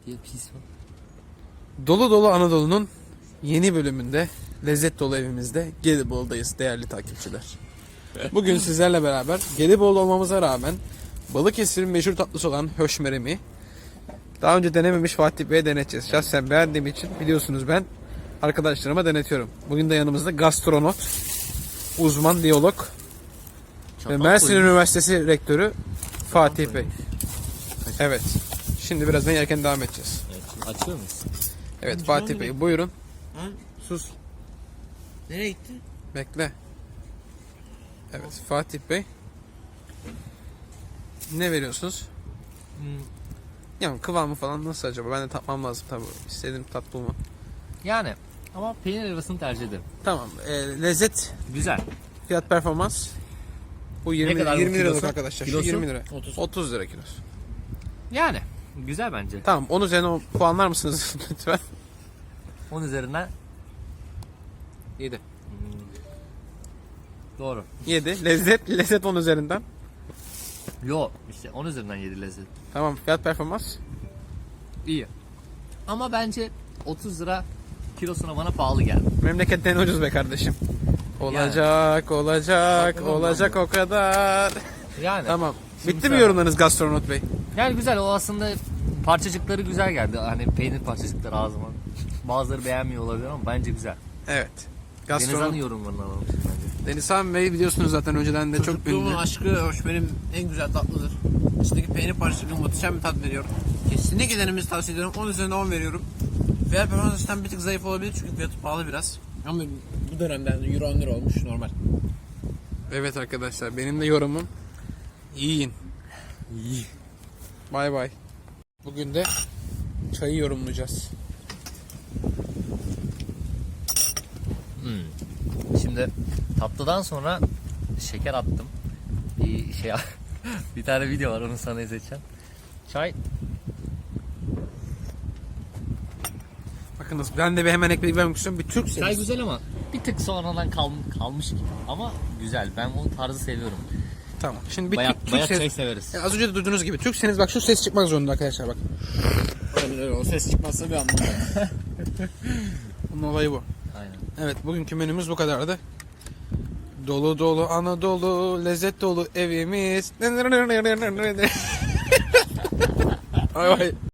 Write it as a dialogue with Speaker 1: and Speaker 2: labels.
Speaker 1: diye pis var.
Speaker 2: Dolu Dolu Anadolu'nun yeni bölümünde lezzet dolu evimizde Gelibolu'dayız değerli takipçiler. Bugün sizlerle beraber Gelibolu olmamıza rağmen Balıkesir'in meşhur tatlısı olan höşmeremi daha önce denememiş Fatih Bey'e deneteceğiz. Şahsen beğendiğim için biliyorsunuz ben arkadaşlarıma denetiyorum. Bugün de yanımızda gastronot, uzman diyalog ve Mersin Üniversitesi rektörü Fatih Bey. Evet. Şimdi birazdan yerken devam edeceğiz.
Speaker 1: Evet, şimdi açıyor muyuz?
Speaker 2: Evet Fatih Bey buyurun.
Speaker 3: Ha?
Speaker 2: Sus.
Speaker 3: Nereye gitti?
Speaker 2: Bekle. Evet Fatih Bey. Ne veriyorsunuz? Yani kıvamı falan nasıl acaba? Ben de tatmam lazım tabii. İstediğim tat bulma.
Speaker 1: Yani ama peynir arasını tercih ederim.
Speaker 2: Tamam. Lezzet,
Speaker 1: Güzel.
Speaker 2: fiyat performans. Bu 20,
Speaker 1: kadar bu
Speaker 2: 20 liralık
Speaker 1: kilosu?
Speaker 2: arkadaşlar. Şu
Speaker 1: Kilosu?
Speaker 2: 20 lira.
Speaker 3: 30.
Speaker 2: 30 lira kilosu.
Speaker 1: Yani güzel bence.
Speaker 2: Tamam. 10 üzerine puanlar mısınız lütfen?
Speaker 1: 10 üzerinden
Speaker 2: 7.
Speaker 1: doğru.
Speaker 2: 7. Lezzet 10 üzerinden.
Speaker 1: Yo işte 10 üzerinden 7 lezzet.
Speaker 2: Tamam. Fiyat performans.
Speaker 1: İyi. Ama bence 30 lira kilosuna bana pahalı geldi.
Speaker 2: Memleketten ucuz be kardeşim. Olacak, olacak o kadar.
Speaker 1: Yani.
Speaker 2: Tamam.
Speaker 1: Şimdi
Speaker 2: Bitti mi
Speaker 1: sen-
Speaker 2: yorumlarınız gastronot bey?
Speaker 1: Yani güzel, o aslında parçacıkları güzel geldi. Hani peynir parçacıkları ağzıma. Bazıları beğenmiyor olabilir ama bence güzel.
Speaker 2: Evet.
Speaker 1: Denizhan'ın
Speaker 2: Gastronot.
Speaker 1: yorumlarını alalım şimdi bence.
Speaker 2: Denizhan Bey biliyorsunuz zaten önceden de çok
Speaker 3: Çocukluğumun
Speaker 2: ünlü.
Speaker 3: aşkı höşmerim en güzel tatlıdır. İçindeki peynir parçacığı muhteşem bir tat veriyor. Kesinlikle denemenizi tavsiye ediyorum. 10 üzerinden 10 veriyorum. Fiyat performans açısından bir tık zayıf olabilir çünkü fiyatı pahalı biraz. Ama bu dönemde euro 10 lira olmuş normal.
Speaker 2: Evet arkadaşlar benim de yorumum yiyin. Bay bay. Bugün de çayı yorumlayacağız.
Speaker 1: Şimdi tatlıdan sonra şeker attım. Bir şey bir tane video var, onu sana izleteceğim. Çay
Speaker 2: Bakınız ben de bir hemen eklemek istiyorum. Bir Türk
Speaker 1: Çay güzel ama bir tık sonradan kalmış gibi. Ama güzel. Ben o tarzı seviyorum.
Speaker 2: Tamam. Şimdi bir
Speaker 1: Bayat
Speaker 2: Türk
Speaker 1: çay
Speaker 2: ses.
Speaker 1: severiz.
Speaker 2: Az önce de duyduğunuz gibi Türkseniz bak şu ses çıkmak zorunda arkadaşlar bak.
Speaker 3: Öyle o ses çıkmazsa bir anlamı yok.
Speaker 2: Bunun olayı bu.
Speaker 1: Aynen.
Speaker 2: Evet bugünkü menümüz bu kadardı. Dolu dolu Anadolu, lezzet dolu evimiz. Ay ay.